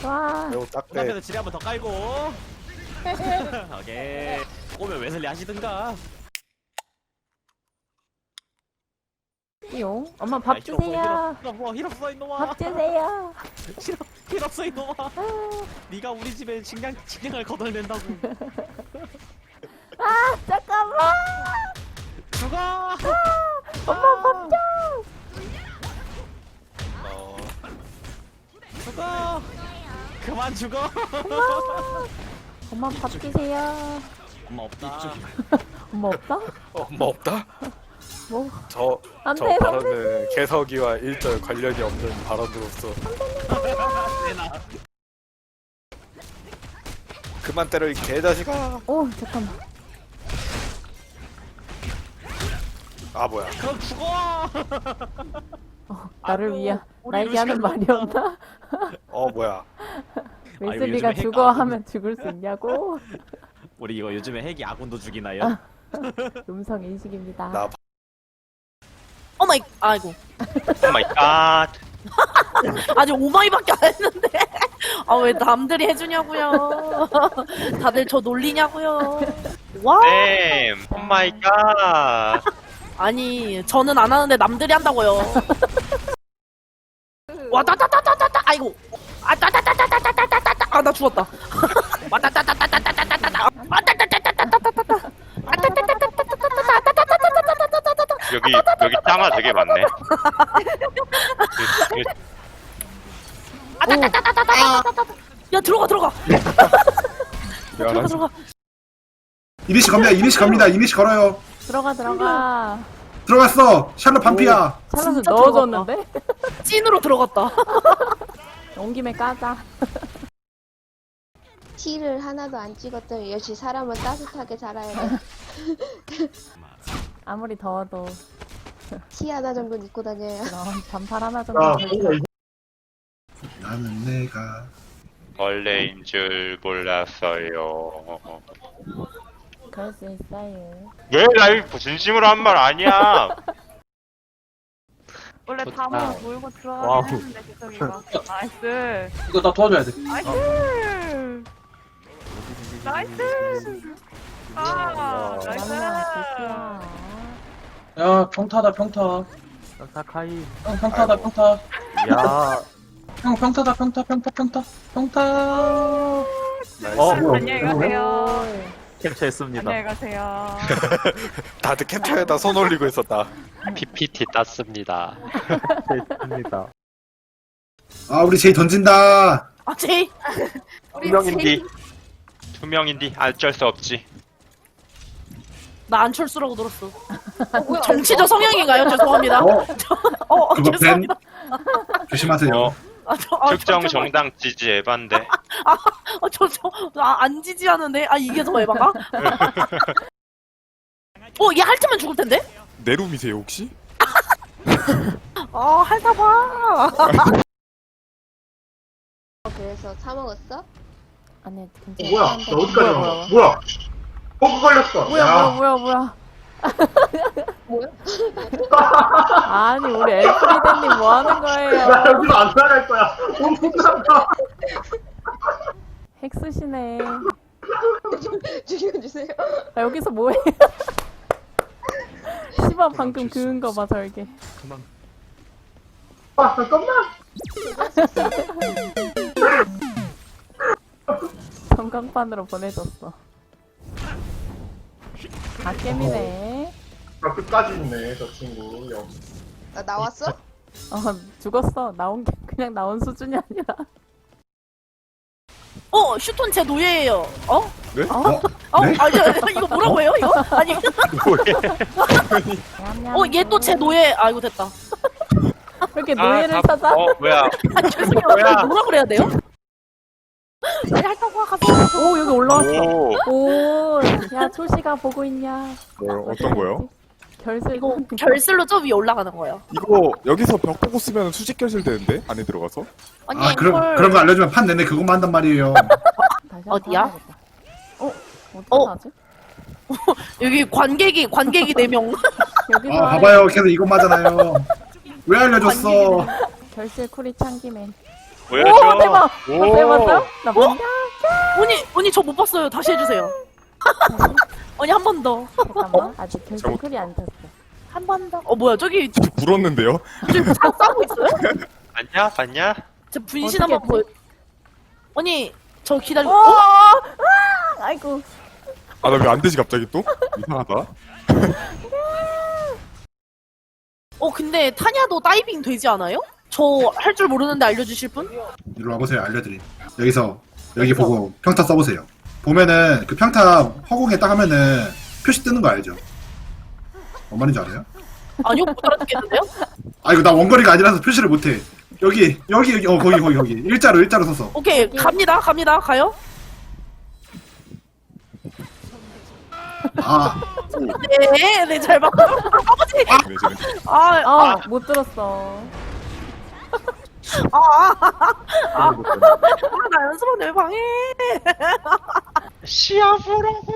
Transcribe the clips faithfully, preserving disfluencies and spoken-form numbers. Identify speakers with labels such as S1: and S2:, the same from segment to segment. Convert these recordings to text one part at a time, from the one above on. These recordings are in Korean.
S1: 와.
S2: 매우 딱대.
S3: 앞에서 지뢰 한번 더 깔고. 오케이. 오면 웨슬리 하시든가.
S1: 띠용. 엄마 밥
S3: 야, 힐 없어,
S1: 주세요.
S3: 힐 없어, 힐 없어 이놈아.
S1: 밥 주세요.
S3: 힐, 힐 없어 이놈아. 네가 우리 집에 식량 식량을 거덜낸다고.
S1: 아 잠깐만.
S3: 죽어.
S1: 아, 엄마 밥 줘.
S3: 어. 죽어. 그만 죽어.
S1: 엄마 밥 주세요.
S3: 엄마 없다.
S1: 엄마 없다?
S2: 어, 뭐 없다?
S1: 뭐?
S2: 저,
S1: 안
S2: 저
S1: 돼,
S2: 발언은 개석이와 일절 관련이 없는 발언으로서
S3: 내놔.
S2: 그만 때려 이 개자식아.
S1: 오 잠깐만.
S2: 아 뭐야?
S3: 그럼 죽어.
S1: 어, 나를
S3: 아이고,
S1: 위해
S3: 우리
S1: 나에게 하는
S3: 루시가
S1: 말이었나?
S2: 어 뭐야?
S1: 웨슬리가
S3: 요즘에
S1: 죽어
S3: 핵
S1: 하면 죽을 수 있냐고?
S3: 우리 이거 요즘에 핵이 아군도 죽이나요?
S1: 음성 인식입니다.
S2: 나
S4: 오마이, 아이고.
S5: 오 마이 갓.
S4: 아직 오마이밖에 안 했는데. 아, 왜 남들이 해주냐고요. 다들 저 놀리냐고요. 와.
S5: 쌤. 오 마이 갓.
S4: 아니, 저는 안 하는데 남들이 한다고요. 와, 따따따따따따. 아이고. 아, 따따따따따따따따. 아, 나 죽었다. 와, 따따따따따따따따. 아, 따따따따따따따따. 아, 따따따따따따따따.
S5: 여기 여기 땅아 되게 많네. 그, 그,
S4: 아, 따따따따따따따. 야, 들어가, 들어가. 들어가,
S2: 미안하지.
S4: 들어가.
S6: 이니시 갑니다. 이니시 갑니다. 이니시 걸어요.
S1: 들어가 들어가.
S6: 들어갔어. 샬롯 반피야.
S1: 찰럿을
S4: 진짜
S1: 넣어줬는데?
S4: 찐으로 들어갔다.
S1: 온 김에 까자.
S7: 티를 하나도 안 찍었더니 역시 사람은 따뜻하게 자라야 돼.
S1: 아무리 더워도
S7: 티 하나 정도는 입고 다녀요.
S1: 그런 반팔 하나 정도.
S6: 아,
S1: 입고
S6: 나는 내가
S5: 벌레인 줄 몰랐어요.
S1: 그럴 수 있어요.
S5: 왜 나 이거 진심으로 한 말 아니야?
S8: 원래 밤으로 몰고
S2: 와우.
S8: 들어가긴 했는데 개성이가 나이스
S9: 이거 나 도와줘야 돼.
S8: 나이스 나이스 아 나이스
S1: 그렇구나.
S9: 야, 평타다, 평타.
S2: 사카이.
S9: 형, 평타다, 평타.
S2: 야.
S9: 형, 평타다, 평타, 평타, 평타. 평타.
S2: 어
S6: 뭐야?
S8: 안녕히 가세요
S2: 캡처했습니다.
S8: 안녕히 가세요
S2: 다들 캡처에다 손 올리고 있었다.
S5: 피피티 땄습니다.
S2: 했습니다.
S6: 아 우리 제이 던진다.
S4: 아, 제이.
S5: 투명인디. 투명인디 어쩔 수 없지.
S4: 나 안철수라고 들었어. 정치적 성향인가요? 죄송합니다.
S6: 어
S4: 어, 어
S6: 그거 벤
S4: 죄송합니다.
S6: 조심하세요.
S5: 어,
S4: 아, 저, 아,
S5: 특정
S4: 저, 저,
S5: 정당 지지 에반데.
S4: 아, 저, 저, 아, 안 지지하는데? 아, 이게 더 에바가? 어, 얘 핥으면 죽을 텐데?
S2: 내 룸이세요 혹시?
S4: 아, 핥아봐.
S7: 그래서 사 먹었어?
S1: 아니 괜찮아.
S6: 뭐야?
S1: 안 돼.
S6: 나 어디까지
S1: 뭐야,
S6: 간
S1: 뭐야,
S6: 거야? 뭐야? 버그 걸렸어.
S1: 뭐야
S6: 야.
S1: 뭐야 뭐야
S7: 뭐야?
S1: 아니 우리 엘프리데님 뭐 하는 거예요?
S6: 나 여기서 안 나갈 거야. 엄청나다.
S1: 핵 쓰시네.
S7: 죽여주세요.
S1: 아, 여기서 뭐해? 시바 방금 그은 거 봐 설계.
S6: 아 잠깐만.
S1: 전광판으로 보내줬어. 아 깨미네.
S6: 나 끝까지 있네 저 친구. 영.
S7: 나 나왔어?
S1: 어 죽었어. 나온 게 그냥 나온 수준이 아니라.
S4: 어, 슈톤 제 노예예요. 어?
S2: 네?
S6: 어?
S4: 어?
S6: 네?
S4: 아니, 이거 뭐라고 해요, 이거? 아니, 어, 얘 또 제 노예. 아이고, 됐다.
S1: 왜 이렇게 노예를
S5: 아,
S1: 찾아?
S5: 어 뭐야?
S4: 아, 죄송해요.
S5: 뭐야?
S4: 뭐라 그래야 돼요? 빨리 핥아봐, 가서.
S1: 오 여기 올라왔어.
S5: 오.
S1: 오, 야 초시가 보고 있냐?
S2: 뭐 어떤 거요?
S1: 결슬.
S4: 이거 결슬로 저 위에 올라가는 거예요.
S2: 이거 여기서 벽 보고 쓰면 수직 결실 되는데 안에 들어가서?
S4: 아니,
S6: 아 그런
S4: 이걸.
S6: 그런 거 알려주면 판 내내 그것만 한단 말이에요.
S1: 다시
S4: 어디야?
S1: 한번 해야겠다. 어? 어떻게
S4: 어?
S1: 하지?
S4: 여기 관객이, 관객이 네 명.
S1: 여기서
S6: 아
S1: 하래.
S6: 봐봐요. 계속 이것만 하잖아요. 왜 알려줬어?
S1: 결실 쿠리 창기맨.
S5: 보여줘.
S1: 오 대박. 어, 대박이요? 나 뭐냐?
S4: 언니 언니 저 못 봤어요. 다시 해주세요. 언니 한 번 더.
S1: 잠깐만. 아직 결정클이 안 탔어.
S4: 한 번 더. 어 뭐야 저기
S10: 불었는데요?
S4: 저기 다 싸우고 있어요?
S5: 봤냐? 봤냐?
S4: 저 분신
S1: 어떻게
S4: 한번 보여. 언니 저 기다려.
S1: 오!
S4: 어?
S1: 아, 아이고.
S10: 아, 나 왜 안 되지, 갑자기 또? 이상하다.
S4: 어 근데 타냐도 다이빙 되지 않아요? 저 할 줄 모르는데 알려주실 분?
S6: 이리 와보세요. 알려드림. 여기서 여기 보고 평타 써보세요. 보면은 그 평타 허공에 딱 하면은 표시 뜨는 거 알죠? 뭔 말인지 알아요?
S4: 아니요 못 알아듣겠는데요?
S6: 아 이거 나 원거리가 아니라서 표시를 못해. 여기 여기 여기 어 거기 거기 거기 일자로 일자로 서서.
S4: 오케이 갑니다 갑니다 가요.
S6: 아
S4: 네네잘 봤어요. 아버지.
S10: 네, 저는
S4: 아,
S1: 아, 못 들었어.
S4: 아, 아, 아, 아, 나 연습하는데 왜 방해?
S5: 시합으라고.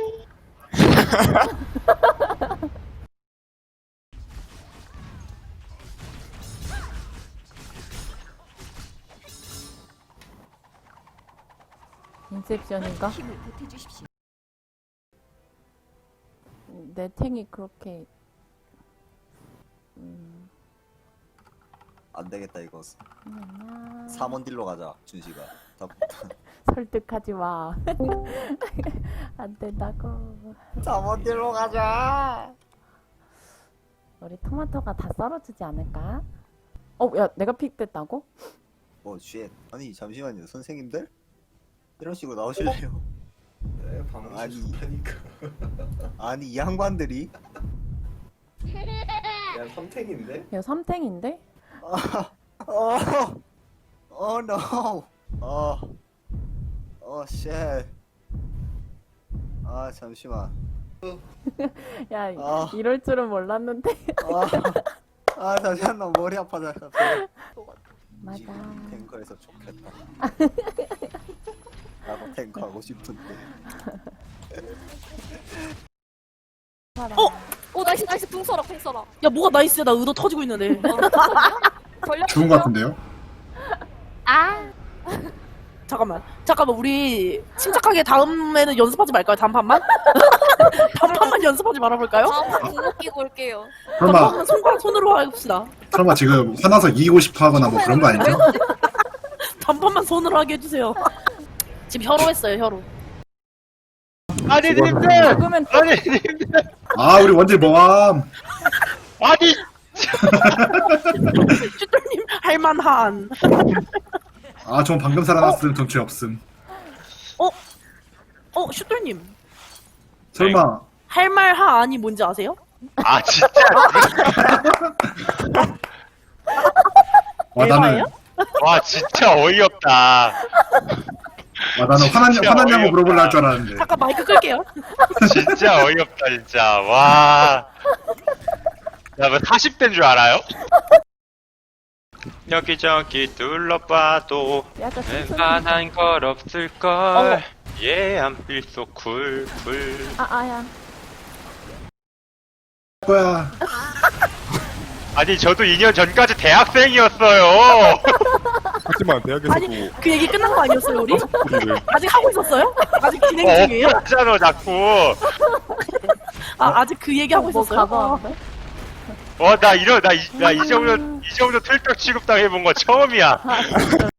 S1: 인셉션인가? 내 탱이 그렇게 음,
S11: 안 되겠다 이거.
S1: 그냥
S11: 삼 원 딜로 가자 준식아.
S1: 설득하지 마. 안 된다고.
S11: 삼 원 딜로 가자.
S1: 우리 토마토가 다 썰어주지 않을까? 어, 야, 내가 픽됐다고?
S11: 어 쉣. 아니 잠시만요 선생님들 이런 식으로 나오실래요?
S6: 네,
S11: 아니 아니 이 양반들이
S6: 야 삼탱인데?
S1: 야, 삼탱인데?
S11: 어, 어, no. 어, 어, shit. 아, 잠시만.
S1: 야,
S11: 아.
S1: 이럴 줄은 몰랐는데.
S11: 아, 아, 잠시만, 나 머리 아파져.
S1: 맞아.
S11: 탱커에서 좋겠다. 나도 탱커 하고 싶은데.
S4: 어?
S8: 오 나이스 나이스 붕 써라 붕 써라.
S4: 야 뭐가 나이스야 나 의도 터지고 있는데.
S6: 좋은 거 같은데요?
S8: 아
S4: 잠깐만 잠깐만 우리 침착하게 다음에는 연습하지 말까요? 단판만? 단판만 연습하지 말아볼까요?
S8: 다음 궁극 끼고 올게요.
S6: 설마
S4: 단판만 손가락 손으로 해봅시다.
S6: 설마 지금 화나서 이기고 싶어 하거나 뭐 그런 거 아니죠?
S4: 단판만 손으로 하게 해주세요. 지금 혀로했어요 혀로.
S5: 아니 님들.
S1: 죽으면
S5: 아니 님들.
S6: 아 우리 원딜 모함.
S5: 아니.
S4: 슈돌님 할만한.
S6: 아 전 방금 살아났음 덩치 없음.
S4: 어 슈돌님
S6: 설마
S4: 할말하안이 뭔지 아세요?
S5: 아 진짜.
S6: 와 나는
S4: 에바예요?
S5: 와 진짜 어이없다.
S6: 와 나는 화났냐
S5: 진짜
S6: 화났냐고
S5: 어이없다.
S6: 물어볼라 할 줄 알았는데.
S4: 잠깐 마이크 끌게요.
S5: 진짜 어이없다 진짜. 와. 야, 뭐 사십 대인 줄 알아요? 여기저기 둘러봐도
S1: 약간 슴슴.
S5: 웬만한 걸 없을걸. 예, I'm feel so cool, cool.
S1: 아, 아야.
S6: 거야.
S5: 아니, 저도 이 년 전까지 대학생이었어요.
S10: 하지만 대학에서도
S4: 아니 그 얘기 끝난 거 아니었어요 우리?
S10: 소리를
S4: 아직 하고 있었어요? 아직 진행
S5: 어,
S4: 중이에요?
S5: 없잖아, 자꾸.
S4: 아 아직 그 얘기 하고
S1: 뭐
S4: 있었어요?
S1: 가봐.
S5: 어, 나 이런, 나 이, 나 이 정도, 이 정도 틀떡 취급당해본 거 처음이야.